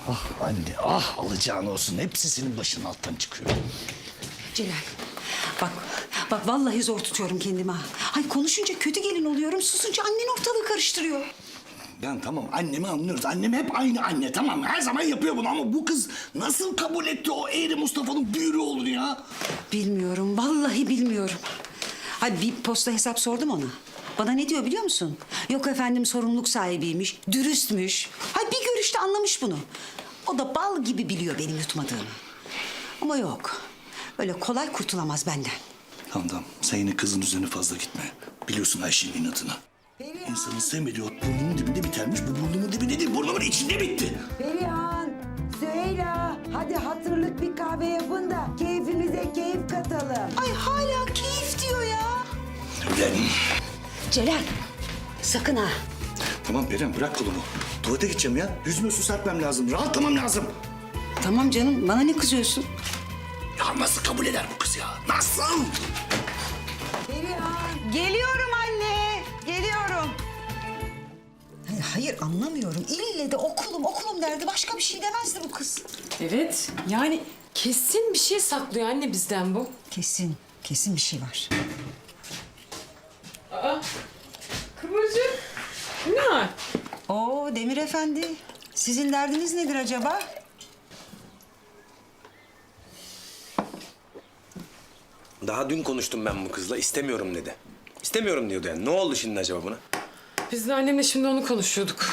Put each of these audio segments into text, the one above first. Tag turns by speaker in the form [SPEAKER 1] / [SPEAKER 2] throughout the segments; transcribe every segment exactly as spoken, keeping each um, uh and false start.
[SPEAKER 1] Ah anne, ah alacağın olsun. Hepsi senin başının alttan çıkıyor.
[SPEAKER 2] Celal, bak, bak vallahi zor tutuyorum kendimi ha. Hay konuşunca kötü gelin oluyorum, susunca annen ortalığı karıştırıyor.
[SPEAKER 1] Yani tamam annemi anlıyoruz. Annem hep aynı anne tamam mı? Her zaman yapıyor bunu ama bu kız nasıl kabul etti o eğri Mustafa'nın büyürü olur ya?
[SPEAKER 2] Bilmiyorum, vallahi bilmiyorum. Hay bir posta hesap sordum ona. Bana ne diyor biliyor musun? Yok efendim sorumluluk sahibiymiş, dürüstmüş. Hay bir görüşte anlamış bunu. O da bal gibi biliyor benim yutmadığımı. Ama yok, öyle kolay kurtulamaz benden.
[SPEAKER 1] Tamam tamam sen yine kızın üzerine fazla gitme. Biliyorsun Ayşe'nin inatını. İnsanın sevmediği ot burnunun dibinde bitermiş. Bu burnumun dibinde değil burnumun içinde bitti.
[SPEAKER 3] Perihan, Süheyla, hadi hatırlık bir kahve yapın da keyfimize keyif katalım.
[SPEAKER 2] Ay hala keyif diyor ya.
[SPEAKER 1] Ulan.
[SPEAKER 2] Celal, sakın ha.
[SPEAKER 1] Tamam Perihan bırak kolumu. Tuvalete gideceğim ya. Yüzüme su serpmem lazım. Rahatlamam lazım.
[SPEAKER 2] Tamam canım, bana ne kızıyorsun?
[SPEAKER 1] Ya nasıl kabul eder bu kız ya? Nasıl?
[SPEAKER 3] Perihan.
[SPEAKER 2] Geliyorum anne, geliyorum. Hayır, hayır anlamıyorum. İlle de okulum, okulum derdi. Başka bir şey demezdi bu kız.
[SPEAKER 4] Evet, yani kesin bir şey saklıyor anne bizden bu.
[SPEAKER 2] Kesin, kesin bir şey var.
[SPEAKER 4] Aa, Kıvırcık, ne var?
[SPEAKER 2] Oo Demir Efendi, sizin derdiniz nedir acaba?
[SPEAKER 5] Daha dün konuştum ben bu kızla. İstemiyorum dedi. İstemiyorum diyordu yani. Ne oldu şimdi acaba buna?
[SPEAKER 4] Biz de annemle şimdi onu konuşuyorduk.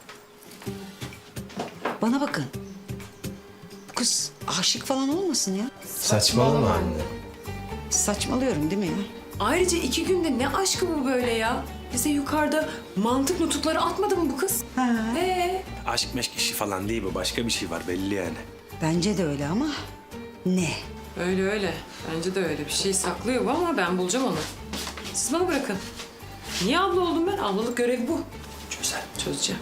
[SPEAKER 2] Bana bakın. Bu kız aşık falan olmasın ya.
[SPEAKER 5] Saçmalama anne.
[SPEAKER 2] Saçmalıyorum değil mi ya?
[SPEAKER 4] Ayrıca iki günde ne aşkı bu böyle ya? Bize yukarıda mantık nutukları atmadı mı bu kız?
[SPEAKER 2] Ha.
[SPEAKER 4] Ee?
[SPEAKER 5] Aşk meşk işi falan değil bu. Başka bir şey var belli yani.
[SPEAKER 2] Bence de öyle ama ne?
[SPEAKER 4] Öyle öyle. Bence de öyle. Bir şey saklıyor bu ama ben bulacağım onu. Siz bana bırakın. Niye abla oldum ben? Ablalık görevi bu.
[SPEAKER 5] Çözer.
[SPEAKER 4] Çözeceğim.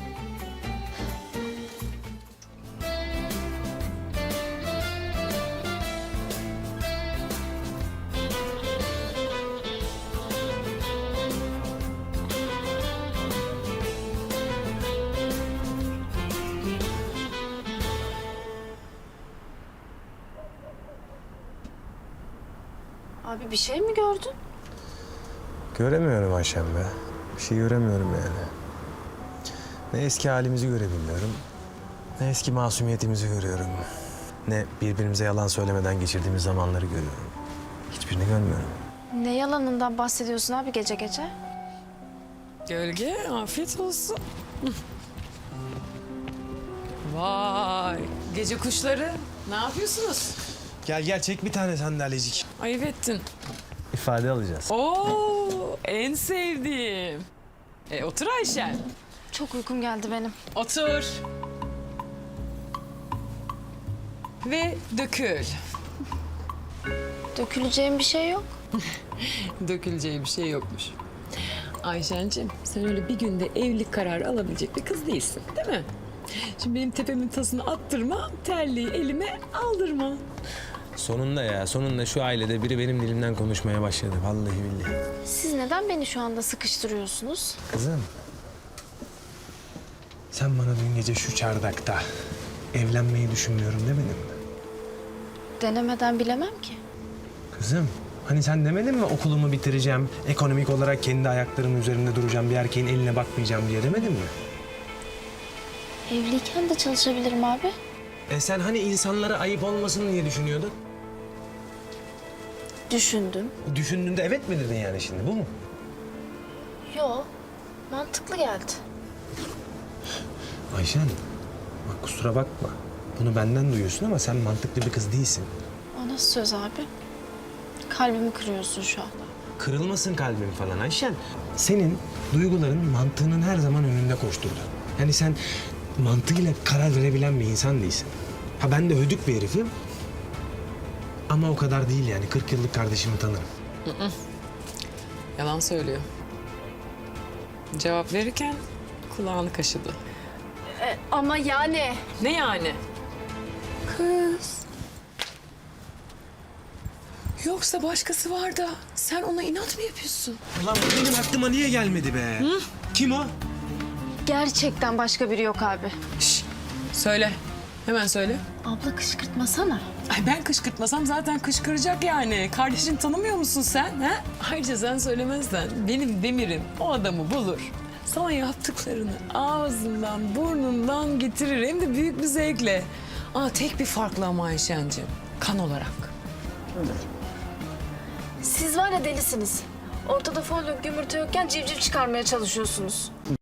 [SPEAKER 6] Abi bir şey mi gördün?
[SPEAKER 7] Göremiyorum Ayşem be. Bir şey göremiyorum yani. Ne eski halimizi görebiliyorum, ne eski masumiyetimizi görüyorum. Ne birbirimize yalan söylemeden geçirdiğimiz zamanları görüyorum. Hiçbirini görmüyorum.
[SPEAKER 6] Ne yalanından bahsediyorsun abi gece gece?
[SPEAKER 4] Gölge, afiyet olsun. Vay, gece kuşları. Ne yapıyorsunuz?
[SPEAKER 7] Gel gel çek bir tane sandalyecik.
[SPEAKER 4] Ayıp ettin.
[SPEAKER 7] İfade alacağız.
[SPEAKER 4] Oo, en sevdiğim. E, otur Ayşen.
[SPEAKER 6] Çok uykum geldi benim.
[SPEAKER 4] Otur. Ve dökül.
[SPEAKER 6] Döküleceğim bir şey yok.
[SPEAKER 4] Döküleceği bir şey yokmuş. Ayşen'cim sen öyle bir günde evlilik kararı alabilecek bir kız değilsin değil mi? Şimdi benim tepemin tasını attırma, terliği elime aldırma.
[SPEAKER 7] Sonunda ya, sonunda şu ailede biri benim dilimden konuşmaya başladı. Vallahi billahi.
[SPEAKER 6] Siz neden beni şu anda sıkıştırıyorsunuz?
[SPEAKER 7] Kızım. Sen bana dün gece şu çardakta evlenmeyi düşünmüyorum demedin mi?
[SPEAKER 6] Denemeden bilemem ki.
[SPEAKER 7] Kızım, hani sen demedin mi okulumu bitireceğim, ekonomik olarak kendi ayaklarımın üzerinde duracağım, bir erkeğin eline bakmayacağım diye demedin mi?
[SPEAKER 6] Evliyken de çalışabilirim abi.
[SPEAKER 7] E sen hani insanlara ayıp olmasın diye düşünüyordun?
[SPEAKER 6] Düşündüm.
[SPEAKER 7] Düşündüğünde evet mi dedin yani şimdi, bu mu?
[SPEAKER 6] Yo, mantıklı geldi.
[SPEAKER 7] Ayşen, bak kusura bakma. Bunu benden duyuyorsun ama sen mantıklı bir kız değilsin.
[SPEAKER 6] O nasıl söz abi? Kalbimi kırıyorsun şu anda.
[SPEAKER 7] Kırılmasın kalbin falan Ayşen. Senin duyguların mantığının her zaman önünde koşturdu. Yani sen mantığıyla karar verebilen bir insan değilsin. Ha ben de hödük bir herifim. Ama o kadar değil yani. kırk yıllık kardeşimi tanırım.
[SPEAKER 4] Yalan söylüyor. Cevap verirken kulağını kaşıdı.
[SPEAKER 6] E, ama yani.
[SPEAKER 4] Ne yani? Kız. Yoksa başkası var da sen ona inat mı yapıyorsun?
[SPEAKER 7] Ulan bu benim aklıma niye gelmedi be? Hı? Kim o?
[SPEAKER 6] Gerçekten başka biri yok abi.
[SPEAKER 7] Şş,
[SPEAKER 4] Söyle. Hemen söyle.
[SPEAKER 6] Abla kışkırtmasana.
[SPEAKER 4] Ay ben kışkırtmasam zaten kışkıracak yani. Kardeşini tanımıyor musun sen? Ha? Ayrıca sen söylemezsen benim Demir'im o adamı bulur. Sana yaptıklarını ağzından, burnundan getirir. Hem de büyük bir zevkle. Aa, tek bir farklı ama Ayşen'cim. Kan olarak.
[SPEAKER 6] Siz var ya delisiniz. Ortada folyo yumurta yokken civciv çıkarmaya çalışıyorsunuz.